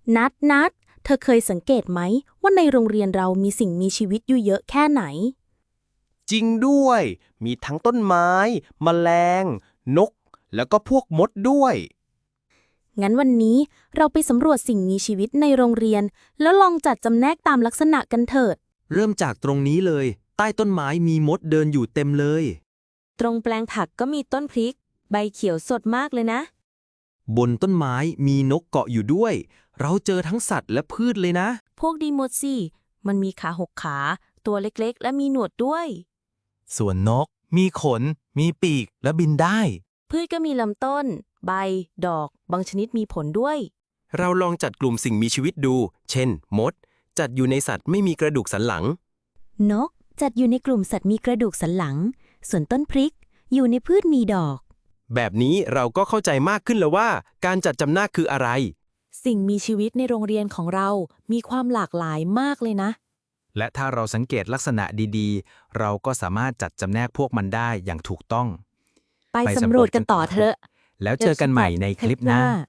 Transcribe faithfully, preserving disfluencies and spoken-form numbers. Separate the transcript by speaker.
Speaker 1: นัดนัดเธอเคยสังเกตไหมว่าในโรงเรียนเรามีสิ่งมีชีวิตอยู่เยอะแค่ไหน
Speaker 2: จริงด้วย มีทั้งต้นไม้ แมลง นก แล้วก็พวกมดด้วย
Speaker 1: งั้นวันนี้เราไปสำรวจสิ่งมีชีวิตในโรงเรียน แล้วลองจัดจำแนกตามลักษณะกันเถิด
Speaker 3: เริ่มจากตรงนี้เลย ใต้ต้นไม้มีมดเดินอยู่เต็มเลย
Speaker 4: ตรงแปลงผักก็มีต้นพริก ใบเขียวสดมากเลยนะ
Speaker 3: บนต้นไม้มีนกเกาะอยู่ด้วย เราเจอทั้งสัตว์และพืชเลยนะ
Speaker 4: พวกดีหมดสิ มันมีขาหกขา ตัวเล็กๆ และมีหนวดด้วย
Speaker 5: ส่วนนก มีขน มีปีกและบินได้
Speaker 4: พืชก็มีลำต้น ใบ ดอก บางชนิดมีผลด้วย
Speaker 2: เราลองจัดกลุ่มสิ่งมีชีวิตดู เช่น มด จัดอยู่ในสัตว์ไม่มีกระดูกสันหลัง
Speaker 6: นกจัดอยู่ในกลุ่มสัตว์มีกระดูกสันหลัง ส่วนต้นพริกอยู่ในพืชมีดอก
Speaker 2: แบบนี้เราก็เข้าใจมากขึ้นแล้วว่า การจัดจำแนกคืออะไร
Speaker 4: สิ่งมีชีวิตในโรงเรียนของเรา มีความหลากหลายมากเลยนะ
Speaker 5: และถ้าเราสังเกตลักษณะดีๆ เราก็สามารถจัดจำแนกพวกมันได้อย่างถูกต้อง
Speaker 4: ไปสำรวจกันต่อเถอะ
Speaker 5: แล้วเจอกันใหม่ในคลิปหน้า